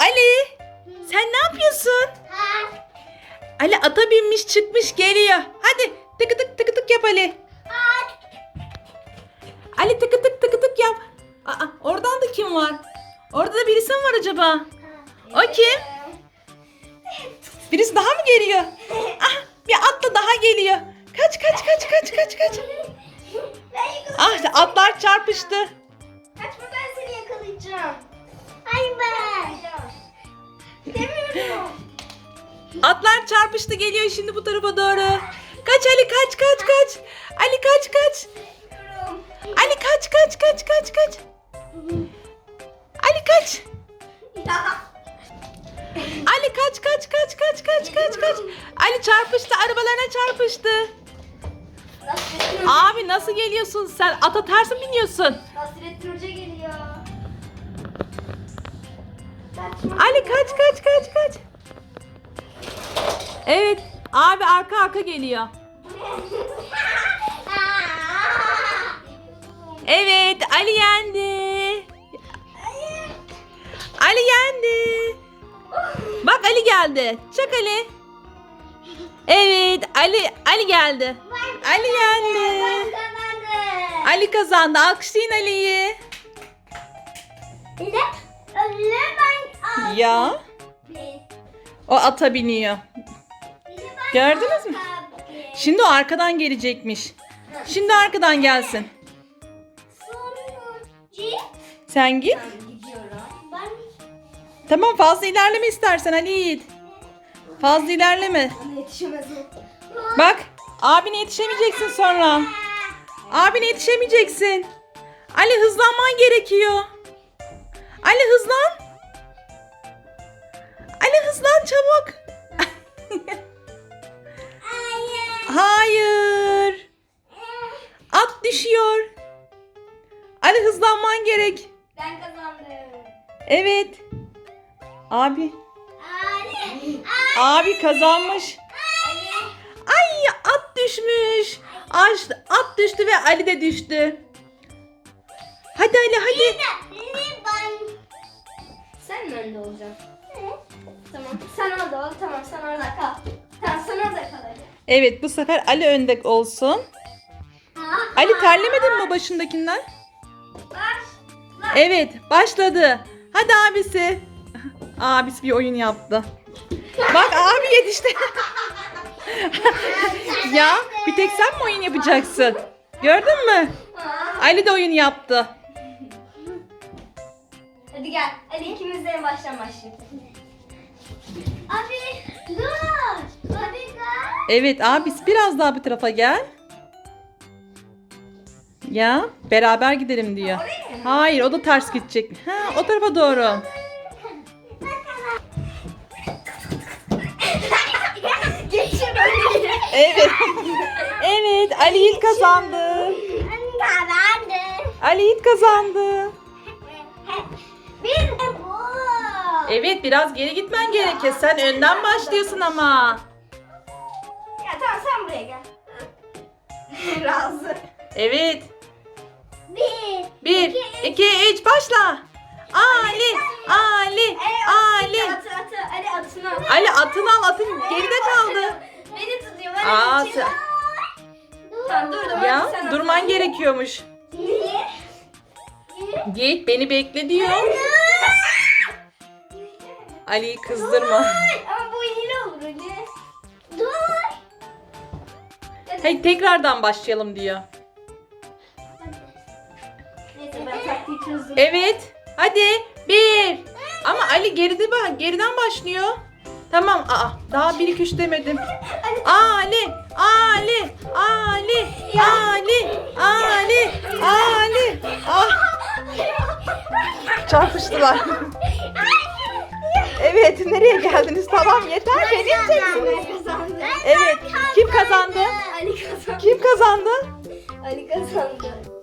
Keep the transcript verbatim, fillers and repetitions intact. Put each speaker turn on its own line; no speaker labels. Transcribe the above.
Ali, sen ne yapıyorsun? Ali ata binmiş çıkmış geliyor. Hadi tıkı tık tıkı tık yap Ali. Ali tıkı tık tıkı tık yap. Aa, oradan da kim var? Orada da birisi mi var acaba? O kim? Birisi daha mı geliyor? Ah, bir atla daha geliyor. Kaç kaç kaç kaç kaç kaç. Ah, atlar çarpıştı.
Kaçma, ben seni yakalayacağım. Hayır ben. Demiyorum.
Atlar çarpıştı geliyor şimdi bu tarafa doğru. Kaç Ali kaç kaç kaç. Ali kaç kaç. Ali kaç kaç kaç kaç kaç. Ali kaç. Ali kaç kaç kaç kaç kaç kaç kaç. Ali çarpıştı, arabalarına çarpıştı. Abi nasıl geliyorsun sen? Ata ters mi biniyorsun?
Nasrettin Hoca geliyor.
Ali kaç kaç kaç kaç. Evet abi arka arka geliyor. Evet Ali yendi. Ali yendi. Bak Ali geldi. Çak Ali. Evet Ali Ali geldi. Ali yendi. Ali kazandı. Alkışlayın Ali'yi. Ya o ata biniyor. Gördünüz mü? Şimdi o arkadan gelecekmiş. Şimdi arkadan gelsin. Sen git. Tamam fazla ilerleme istersen Ali Yiğit. Fazla ilerleme. Bak abine yetişemeyeceksin sonra. Abine yetişemeyeceksin. Ali hızlanman gerekiyor. Ali hızlan. Ali hızlan çabuk. Hayır. At düşüyor. Ali hızlanman gerek.
Ben kazandım.
Evet. Abi. Abi kazanmış. Ay at düşmüş. At, at düştü ve Ali de düştü. Hadi Ali hadi.
Sen mi önde olacaksın? Tamam. Sen orada ol. Tamam, sen orada kal. Tamam, sen orada kal hadi.
Evet bu sefer Ali önde olsun. Ali terlemedin mi başındakinden?
Başla.
Evet başladı. Hadi abisi. Abisi bir oyun yaptı. Bak abi yetişti. Ya bir tek sen mi oyun yapacaksın? Gördün mü? Ali de oyun yaptı.
Hadi gel. Hadi ikimiz de en baştan başlayalım. Abi dur. Abi gel.
Evet abisi biraz daha bu tarafa gel. Ya beraber gidelim diyor. Hayır o da ters gidecek. Ha o tarafa doğru.
Geçin öyle.
Evet. Evet Ali Yiğit kazandı. Ali Yiğit kazandı.
Bir de bu.
Evet biraz geri gitmen gerekir. Sen önden başlıyorsun ama.
Ya tamam, sen buraya gel. Razı.
Evet.
Bir.
Bir, iki, üç başla. Ali, Ali, Ali.
Atı atı. Ali atını al.
Ali atını al atın geride kaldı.
Beni tutuyor. Ben
Aa,
geçeyim.
sen-
Tamam dur dur.
Ya
Sen
durman
atı.
gerekiyormuş.
Niye?
Git beni bekle diyor. Ali'yi kızdırma.
Ama bu hile olur Ali. Dur.
Hayır tekrardan başlayalım diyor.
Neyse ben taktiği çözdüm.
Evet. Hadi. Bir. Ama Ali geride bak. Geriden başlıyor. Tamam. Aa, daha bir iki üç demedim. Ali. Ali. Ali. Ali. Ali. Ali. Ah. Çarpıştılar. Evet. Nereye geldiniz? Tamam yeter. Beni yiyeceksiniz.
Ben kazandım.
Evet. Kim kazandı?
Ali kazandı.
Kim kazandı?
Ali kazandı.